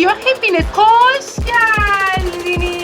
video hepiniz hoş geldiniz.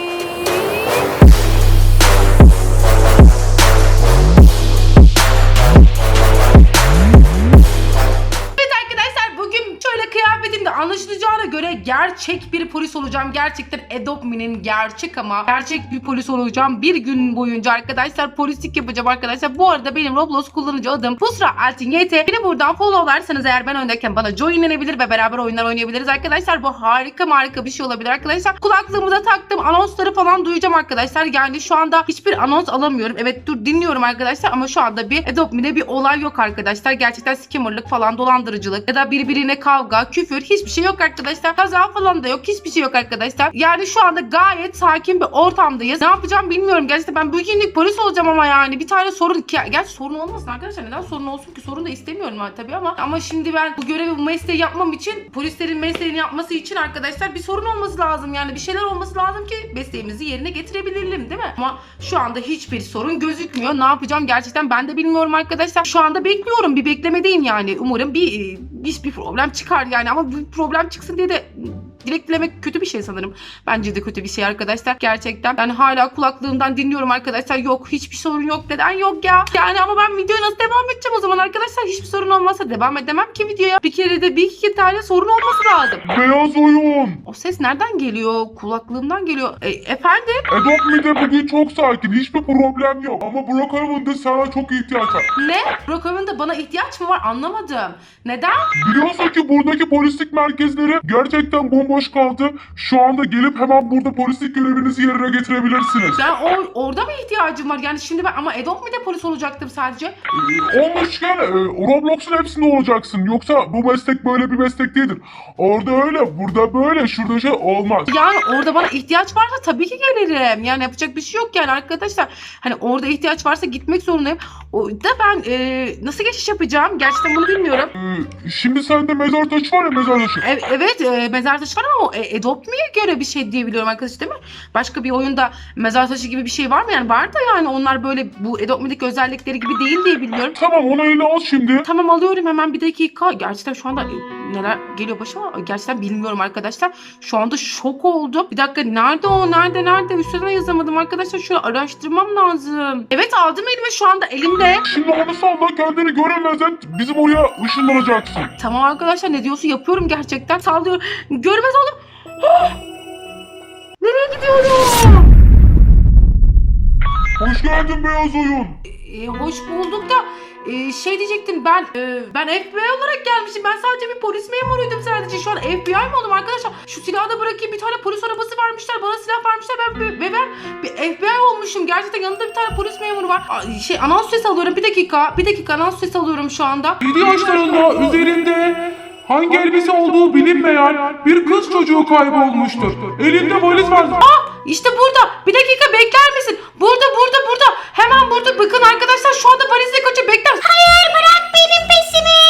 Kıyafetimde anlaşılacağına göre gerçek bir polis olacağım. Gerçekten Adopt Me'nin gerçek ama gerçek bir polis olacağım. Bir gün boyunca arkadaşlar polislik yapacağım arkadaşlar. Bu arada benim Roblox kullanıcı adım Pusra Altin YT. Beni buradan followlarsanız eğer ben öndeyken bana joinlenebilir ve beraber oyunlar oynayabiliriz arkadaşlar. Bu harika bir şey olabilir arkadaşlar. Kulaklığımı da taktım. Anonsları falan duyacağım arkadaşlar. Yani şu anda hiçbir anons alamıyorum. Evet dur dinliyorum arkadaşlar ama şu anda bir Adopt Me'de bir olay yok arkadaşlar. Gerçekten scammerlık falan, dolandırıcılık ya da birbirine kavga, küfür hiçbir şey yok arkadaşlar. Kaza falan da yok. Hiçbir şey yok arkadaşlar. Yani şu anda gayet sakin bir ortamdayız. Ne yapacağım bilmiyorum. Gerçekten ben bugünlük polis olacağım ama yani bir tane sorun. Gerçi sorun olmasın arkadaşlar. Neden sorun olsun ki? Sorun da istemiyorum ben tabii ama şimdi ben bu görevi, bu mesleği yapmam için, polislerin mesleğini yapması için arkadaşlar bir sorun olması lazım. Yani bir şeyler olması lazım ki mesleğimizi yerine getirebilelim değil mi? Ama şu anda hiçbir sorun gözükmüyor. Ne yapacağım gerçekten ben de bilmiyorum arkadaşlar. Şu anda bekliyorum. Bir beklemedeyim yani. Umarım hiçbir problem çıkar yani ama bir problem çıksın diye de dilek dilemek kötü bir şey sanırım. Bence de kötü bir şey arkadaşlar. Gerçekten ben hala kulaklığımdan dinliyorum arkadaşlar. Yok hiçbir sorun yok. Neden yok ya? Yani ama ben videoya nasıl devam edeceğim o zaman arkadaşlar? Hiçbir sorun olmazsa devam edemem ki videoya. Bir kere de bir iki tane sorun olması lazım. Beyaz oyun. O ses nereden geliyor? Kulaklığımdan geliyor. Efendim? Adopt Me'de bugün çok sakin. Hiçbir problem yok. Ama Brookhaven'da da sana çok ihtiyaç var. Ne? Brookhaven'da bana ihtiyaç mı var? Anlamadım. Neden? Biliyorsun ki buradaki polislik merkezleri gerçekten bomboş kaldı. Şu anda gelip hemen burada polislik görevinizi yerine getirebilirsiniz. Ben orada mı ihtiyacım var? Yani şimdi ben ama Adopt Me'de polis olacaktım sadece. Olmuşken Roblox'un hepsinde olacaksın. Yoksa bu meslek böyle bir meslek değildir. Orada öyle, burada böyle, şurada şey olmaz. Yani orada bana ihtiyaç varsa tabii ki gelirim. Yani yapacak bir şey yok yani arkadaşlar. Hani orada ihtiyaç varsa gitmek zorundayım. O da ben nasıl geçiş yapacağım? Gerçekten bunu bilmiyorum. Şimdi sende mezar taşı var ya, mezar taşı. Evet mezar taşı var ama o Adopt Me'ye göre bir şey diye biliyorum arkadaşlar değil mi? Başka bir oyunda mezar taşı gibi bir şey var mı? Yani var da yani onlar böyle bu Adopt Me'deki özellikleri gibi değil diye biliyorum. Tamam onu eline al şimdi. Tamam alıyorum hemen bir dakika. Gerçekten şu anda neler geliyor başıma gerçekten bilmiyorum arkadaşlar. Şu anda şok oldum. Bir dakika nerede o? Nerede? Üstüne yazamadım arkadaşlar. Şöyle araştırmam lazım. Evet aldım elime şu anda elimde. Şimdi onu salla, kendini göremezsen bizim oraya ışınlanacaksın. Tamam arkadaşlar ne diyorsun yapıyorum gerçekten. Sallıyorum. Görmez oldum. Nereye gidiyorum? Hoş geldin beyaz oyun. Hoş bulduk da şey diyecektim ben FBI olarak gelmişim. Ben sadece bir polis memuruydum sadece. Şu an FBI mi oldum arkadaşlar? Şu silahı da bırakayım. Bir tane polis arabası vermişler. Bana silah vermişler. Ben bir FBI olmuşum. Gerçekten yanında bir tane polis memuru var. Anons sesi alıyorum. Bir dakika anons sesi alıyorum şu anda. 7 yaşlarında üzerinde hangi elbise olduğu bilinmeyen bir kız çocuğu kaybolmuştur. Elinde valiz var. İşte burada. Bir dakika bekler misin? Burada. Hemen burada. Bakın arkadaşlar şu anda valizle kaçıyor. Bekler misin? Hayır bırak benim peşimi.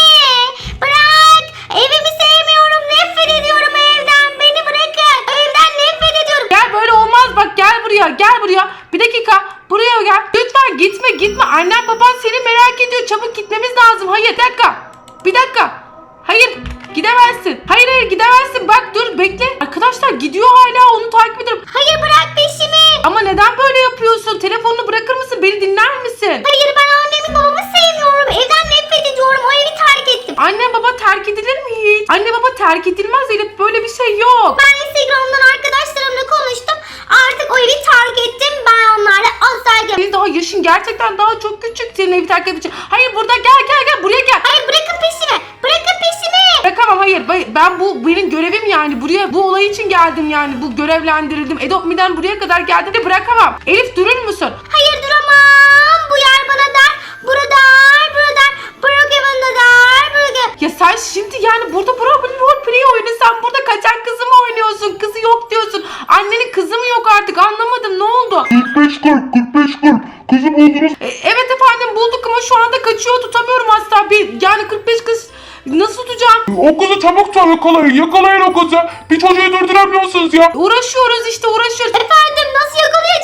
Bırak. Evimi sevmiyorum. Nefret ediyorum evden. Beni bırakın. Evden nefret ediyorum. Gel böyle olmaz bak gel buraya. Bir dakika buraya gel. Lütfen gitme. Annem baban seni merak ediyor. Çabuk gitmemiz lazım. Hayır bir dakika. Hayır gidemezsin. Hayır gidemezsin. Bak dur bekle. Arkadaşlar gidiyor hala onu takip ediyorum. Hayır bırak peşimi. Ama neden böyle yapıyorsun? Telefonunu bırakır mısın? Beni dinler misin? Hayır ben annemi babamı sevmiyorum. Evden nefret ediyorum. O evi terk ettim. Anne baba terk edilir mi hiç? Anne baba terk edilmez Elif. Böyle bir şey yok. Ben Instagram'dan arkadaşlarımla konuştum. Artık o evi terk ettim. Ben onlarla asla gelmem. Senin daha yaşın gerçekten daha çok küçük. Senin evi terk edecek. Hayır burada gel buraya gel. Hayır bırakın peşimi. Bırakın peşimi. Bırakamam hayır. Bu benim görevim yani. Buraya bu olay için geldim yani. Bu görevlendirildim. Adopt Me'den buraya kadar geldim de bırakamam. Elif durur musun? Hayır duramam. Bu yer bana dar. Burada dar. Brookhaven'da dar. Ya sen şimdi yani burada roleplay oyunu. Sen burada kaçan kızı mı oynuyorsun? Kızı yok diyorsun. Annenin kızı mı yok artık? Anlamadım ne oldu? 45-40. Kızı buldunuz. Evet efendim bulduk ama şu anda kaçıyor. Tutamıyorum asla. Yani 45 kız nasıl tutacağım? O kızı çabuk yakalayın o kızı. Bir çocuğu durduramıyorsunuz ya. Uğraşıyoruz. Efendim nasıl yakalayacağız biz bu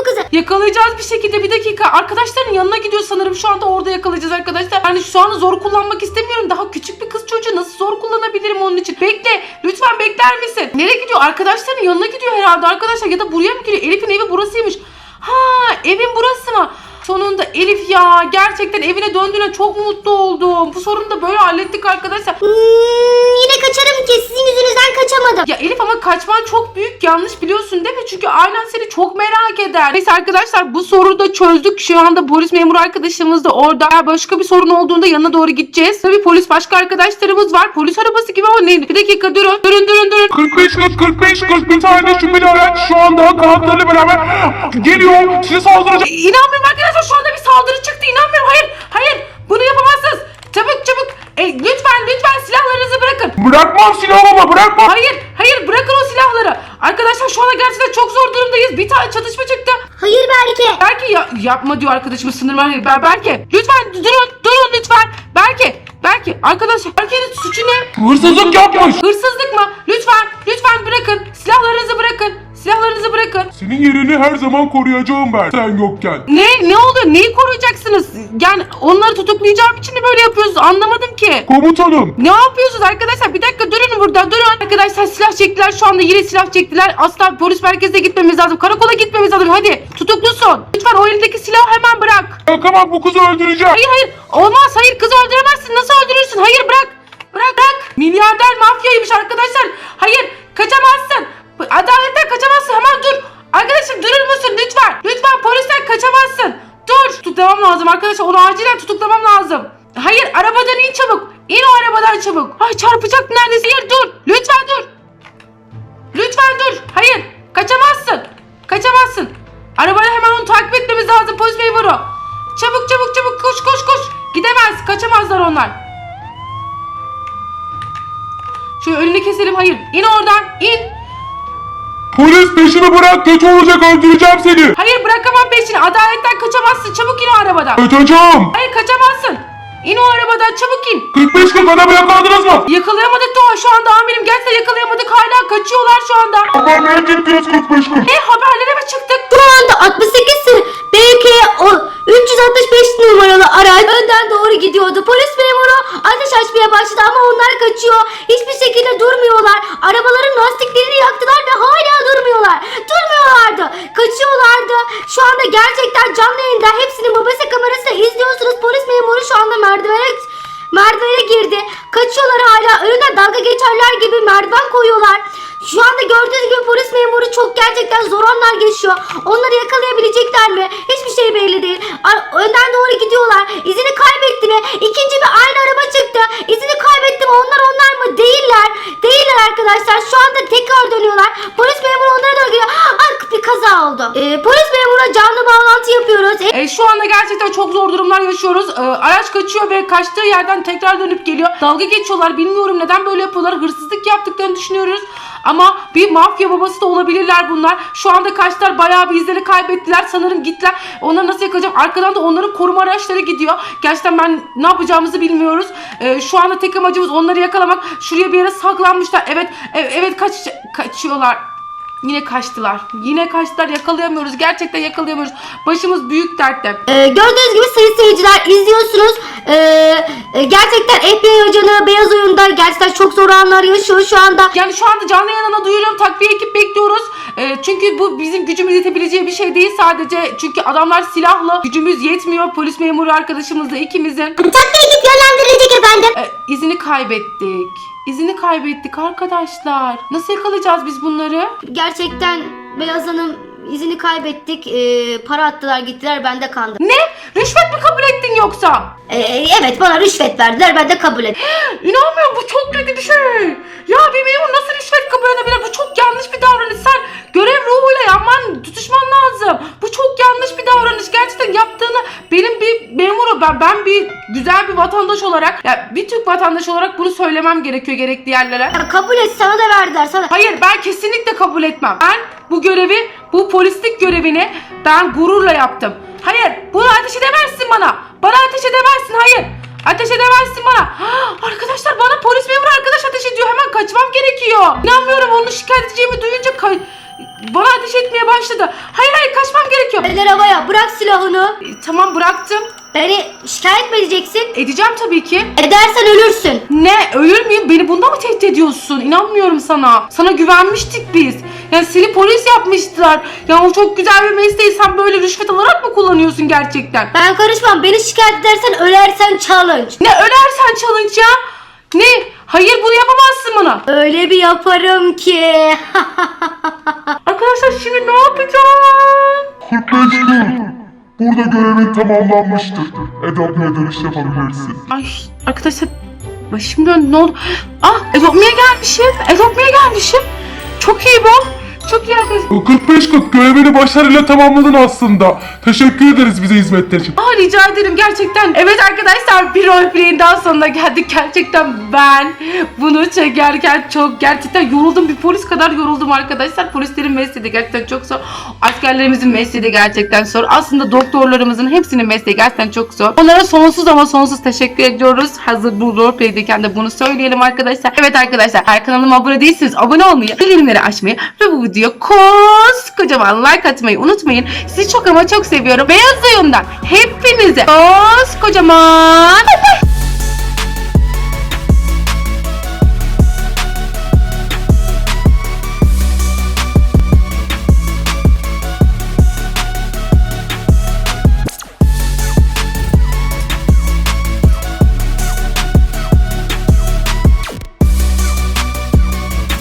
bu kızı. Yakalayacağız bir şekilde, bir dakika. Arkadaşların yanına gidiyor sanırım, şu anda orada yakalayacağız arkadaşlar. Yani şu anda zor kullanmak istemiyorum. Daha küçük bir kız çocuğu, nasıl zor kullanabilirim onun için? Bekle, lütfen bekler misin? Nereye gidiyor? Arkadaşların yanına gidiyor herhalde arkadaşlar, ya da buraya mı gidiyor? Elif'in evi burasıymış. Ha, evin burası mı? Sonunda Elif ya, gerçekten evine döndüğüne çok mutlu oldum. Bu sorunu da böyle hallettik arkadaşlar. Yine kaçarım ki, sizin yüzünüzden kaçamadım. Ya Elif, ama kaçman çok büyük yanlış, biliyorsun değil mi? Çünkü ailen seni çok merak eder. Neyse arkadaşlar, bu soruyu da çözdük. Şu anda polis memuru arkadaşımız da orada. Eğer başka bir sorun olduğunda yanına doğru gideceğiz. Tabii polis başka arkadaşlarımız var. Polis arabası gibi ama neydi? Bir dakika, durun. 45 bir tane şüpheli araç şu anda kanatlarıyla beraber geliyor. Size saldıracak. İnanmıyorum arkadaşlar, şu anda bir saldırı çıktı. İnanmıyorum. Hayır. Bunu yapamazsınız. Çabuk. Lütfen silahlarınızı bırakın. Bırakmam silahımı, bırakmam. Hayır, bırakın o silahları. Arkadaşlar şu anda gerçekten çok zor durumdayız. Bir tane çatışma çıktı. Hayır Berke. Belki yapma diyor arkadaşımız, sınır var. Belki. Lütfen durun lütfen. Belki. Arkadaşlar, Berke'nin suçu ne? Hırsızlık yapmış. Hırsızlık mı? Lütfen bırakın. Silahlarınızı bırakın. Senin yerini her zaman koruyacağım ben. Sen yokken. Ne oluyor? Neyi koruyacaksınız? Yani onları tutuklayacağım için de böyle yapıyorsunuz. Anlamadım ki. Komutanım. Ne yapıyorsunuz arkadaşlar? Bir dakika, durun burada. Arkadaşlar silah çektiler, şu anda yine silah çektiler. Asla polis merkezine gitmemiz lazım. Karakola gitmemiz lazım. Hadi, tutuklusun. Lütfen o elindeki silahı hemen bırak. Bırakamam, bu kızı öldüreceğim. Hayır. Olmaz. Hayır, kızı öldüremezsin. Nasıl öldürürsün? Hayır, bırak. Milyarder mafyaymış arkadaşlar. Hayır, kaçamazsın. Adaletten kaçamazsın. Hemen dur. Arkadaşım, durur musun? Lütfen polisten kaçamazsın. Dur. Tutuklamam lazım arkadaşlar. Onu acilen tutuklamam lazım. Hayır, arabadan in çabuk. İn o arabadan çabuk. Ay, çarpacak neredeyse. Hayır, dur. Lütfen dur. Hayır, kaçamazsın. Arabayla hemen onu takip etmemiz lazım polis memuru. Çabuk, koş. Gidemez, kaçamazlar onlar. Şöyle önünü keselim. Hayır, in oradan, in. Polis, peşimi bırak, kötü olacak, öldüreceğim seni. Hayır, bırakamam peşini. Adaletten kaçamazsın. Çabuk in o arabadan. Kaçacağım. Hayır, kaçamazsın. İn o arabadan, çabuk in. 45 adamı yakaladınız mı? Yakalayamadık Doğa şu anda amirim. Gerçekten yakalayamadık. Hala kaçıyorlar şu anda. Haberlere gittiniz 45 gün. Ne, haberlere mi çıktık? Şu anda 68 BK 365 numaralı araç önden doğru gidiyordu. Polis memuru ateş açmaya başladı ama onlar kaçıyor. Hiçbir şekilde durmuyorlar. Arabaların lastiklerini yaktılar ve hala durmuyorlardı. Kaçıyorlardı. Şu anda gerçekten canlı yayında hepsinin babası kamerasıyla izliyorsunuz. Polis memuru şu anda merdivene girdi. Kaçıyorlar hala. Önünden dalga geçerler gibi merdiven koyuyorlar. Şu anda gördüğünüz gibi polis memuru çok gerçekten zor anlar geçiyor. Onları yakalayabilecekler mi? Hiçbir şey belli değil. Önden doğru gidiyorlar. İzini kaybetti mi? İkinci bir aynı araba çıktı. İzini kaybetti mi? Onlar mı? Değiller arkadaşlar. Şu anda tekrar dönüyorlar. Polis memuru onlara doğru gidiyor. Bir kaza oldu. Polis memuruna canlı bağlantı yapıyoruz. Şu anda gerçekten çok zor durumlar yaşıyoruz. Araç kaçıyor ve kaçtığı yerden tekrar dönüp geliyor. Dalga geçiyorlar. Bilmiyorum neden böyle yapıyorlar. Hırsızlık yaptıklarını düşünüyoruz. Ama bir mafya babası da olabilirler bunlar. Şu anda kaçtılar. Bayağı bir izleri kaybettiler. Sanırım gittiler. Onları nasıl yakalayacağım? Arkadan da onların koruma araçları gidiyor. Gerçekten ne yapacağımızı bilmiyoruz. Şu anda tek amacımız onları yakalamak. Şuraya bir yere saklanmışlar. Evet, kaçıyorlar. Yine kaçtılar. Yakalayamıyoruz. Gerçekten yakalayamıyoruz. Başımız büyük dertte. Gördüğünüz gibi sayın seyirciler izliyorsunuz. Gerçekten FBI ajanı beyaz oyunda gerçekten çok zor anlar yaşıyor şu anda. Yani şu anda canlı yayına duyuruyorum. Takviye ekip bekliyoruz. Çünkü bu bizim gücümüz yetebileceği bir şey değil sadece. Çünkü adamlar silahlı. Gücümüz yetmiyor. Polis memuru arkadaşımızla ikimizin. Takviye ekip yönlendirilecek efendim. İzini kaybettik arkadaşlar. Nasıl yakalayacağız biz bunları? Gerçekten beyaz hanım izini kaybettik. Para attılar gittiler, ben de kandım. Ne? Rüşvet mi kabul ettin yoksa? Evet, bana rüşvet verdiler, ben de kabul ettim. İnanmıyorum, bu çok kötü bir şey. Ya bir memur nasıl rüşvet kabul edebilir? Bu çok yanlış bir davranış. Sen görev ruhuyla tutuşman lazım. Bu çok yanlış bir davranış. Gerçekten yaptığını benim bir memuru, ben bir güzel bir vatandaş olarak, bir Türk vatandaşı olarak bunu söylemem gerekiyor gerekli yerlere. Ya kabul et, sana da verdiler sana. Hayır, ben kesinlikle kabul etmem. Ben bu polislik görevini ben gururla yaptım. Hayır, bunu ateş edemezsin bana. Bana ateş edemezsin, hayır. Ateş edemezsin bana. Arkadaşlar, bana polis memuru arkadaş ateş ediyor. Hemen kaçmam gerekiyor. İnanmıyorum, onu şikayet edeceğimi duyunca bana ateş etmeye başladı. Hayır kaçmam gerekiyor. Eller havaya, bırak silahını. Tamam bıraktım. Beni şikayet mi edeceksin? Edeceğim tabii ki. Edersen ölürsün. Ne? Ölür müyüm? Beni bunda mı tehdit ediyorsun? İnanmıyorum sana. Sana güvenmiştik biz. Yani seni polis yapmıştılar. Ya o çok güzel bir mesleği sen böyle rüşvet alarak mı kullanıyorsun gerçekten? Ben karışmam. Beni şikayet edersen ölersen challenge. Ne ölersen challenge ya? Ne? Hayır bunu yapamazsın bana. Öyle bir yaparım ki. Arkadaşlar şimdi ne yapacağım? 45 gün. Burada görevin tamamlanmıştır. Edopmi'ye dönüş yapabilirsin. Ay arkadaşlar başım döndü ne oldu? Ah Edopmi'ye gelmişim. Çok iyi bu. Çok iyi arkadaşlar. 45-40 görevini başarıyla tamamladın aslında. Teşekkür ederiz bize hizmetler için. Rica ederim gerçekten. Evet arkadaşlar bir roleplay'in daha sonuna geldik. Gerçekten ben bunu çekerken çok gerçekten yoruldum. Bir polis kadar yoruldum arkadaşlar. Polislerin mesleği de gerçekten çok zor. Askerlerimizin mesleği de gerçekten zor. Aslında doktorlarımızın hepsinin mesleği gerçekten çok zor. Onlara sonsuz ama sonsuz teşekkür ediyoruz. Hazır bu roleplay'deyken de bunu söyleyelim arkadaşlar. Evet arkadaşlar eğer kanalıma abone değilseniz abone olmayı, bildirimleri açmayı ve bu videoya kocaman like atmayı unutmayın. Sizi çok ama çok seviyorum. Beyaz Oyun'dan hepinize kocaman